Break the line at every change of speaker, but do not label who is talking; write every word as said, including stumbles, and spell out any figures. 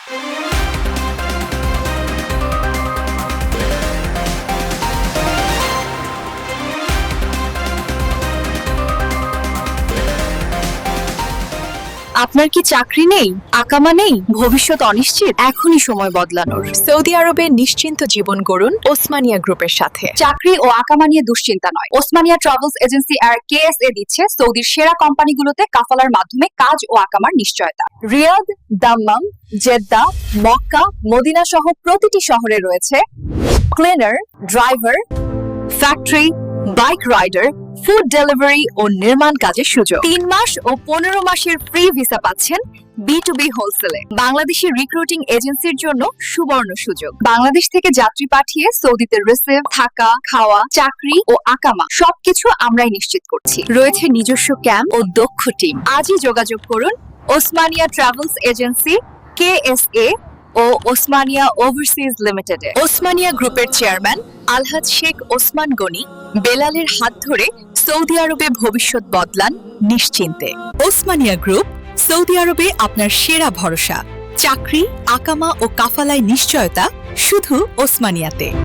আপনার কি চাকরি নেই, আকামা নেই, ভবিষ্যৎ অনিশ্চিত? এখনই সময় বদলানোর।
সৌদি আরবে নিশ্চিন্ত জীবন গড়ুন ওসমানিয়া গ্রুপের সাথে।
চাকরি ও আকামা নিয়ে দুশ্চিন্তা নয়, ওসমানিয়া ট্রাভেলস এজেন্সি আর কেএসএ দিচ্ছে সৌদির সেরা কোম্পানিগুলোতে কাফালার মাধ্যমে কাজ ও আকামার নিশ্চয়তা। Riyadh, Dammam, Jeddah, Mecca, Medina সহ প্রতিটি শহরে রয়েছে cleaner, driver, factory, bike rider, food delivery ও নির্মাণ কাজের সুযোগ। তিন মাস ও পনেরো মাসের ফ্রি ভিসা পাচ্ছেন বি টু বি হোলসেলে। বাংলাদেশি রিক্রুটিং এজেন্সির জন্য সুবর্ণ সুযোগ। বাংলাদেশ থেকে যাত্রী পাঠিয়ে সৌদিতে রিসিভ, থাকা, খাওয়া, চাকরি ও আকামা সবকিছু আমরাই নিশ্চিত করছি। রয়েছে নিজস্ব ক্যাম্প ও দক্ষ টিম। আজই যোগাযোগ করুন ওসমানিয়া ট্রাভেলস এজেন্সি, কেএসএ ও ওসমানিয়া ওভারসিজ লিমিটেডে। ওসমানিয়া গ্রুপের চেয়ারম্যান আলহাজ শেখ ওসমান গনি বেলালের হাত ধরে সৌদি আরবে ভবিষ্যৎ বদলান নিশ্চিন্তে। ওসমানিয়া গ্রুপ, সৌদি আরবে আপনার সেরা ভরসা। চাকরি, আকামা ও কাফালায় নিশ্চয়তা শুধু ওসমানিয়াতে।